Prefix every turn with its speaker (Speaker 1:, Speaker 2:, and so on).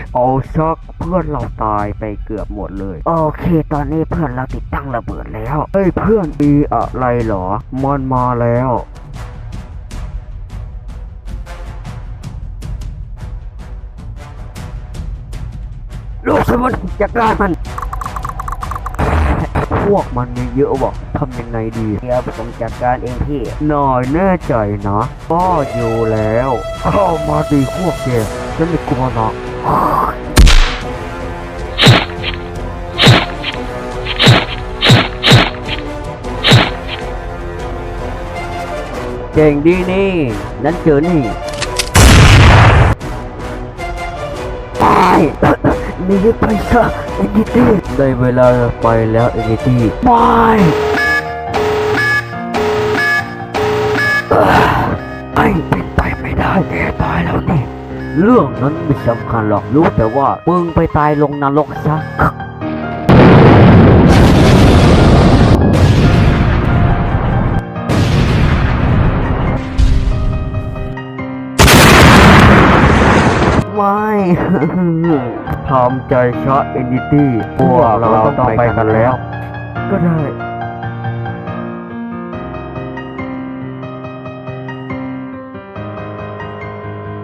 Speaker 1: เอาซักเพื่อนเราตายไปเกือบหมดเลยโอเคตอนนี้เพื่อนเราติดตั้งระเบิดแล้วเฮ้ยเพื่อนมีอะไรเหรอมันมาแล้วลูกสมุนจัดการมันพวกมันมีเยอะบอกทำยังไงดีเดี๋ยวผมจัดการเองพี่หน่อยแน่ใจนะก็อยู่แล้วเข้ามาดีพวกแกฉันไม่กลัวหรอกเก่งดีนี่นั่นเจอนี่ไปหนีไปซะเอ็นดิตี้ได้เวลาไปแล้วเอ็นดิตี้ไม่เป็นไปไม่ได้แกตายแล้วนี่เรื่องนั้นไม่สำคัญหรอกรู้แต่ว่ามึงไปตายลงนรกซะไม่ทำใจช้าเอ็นดิตี้พวกเราต้องไปกันแล้วก็ได้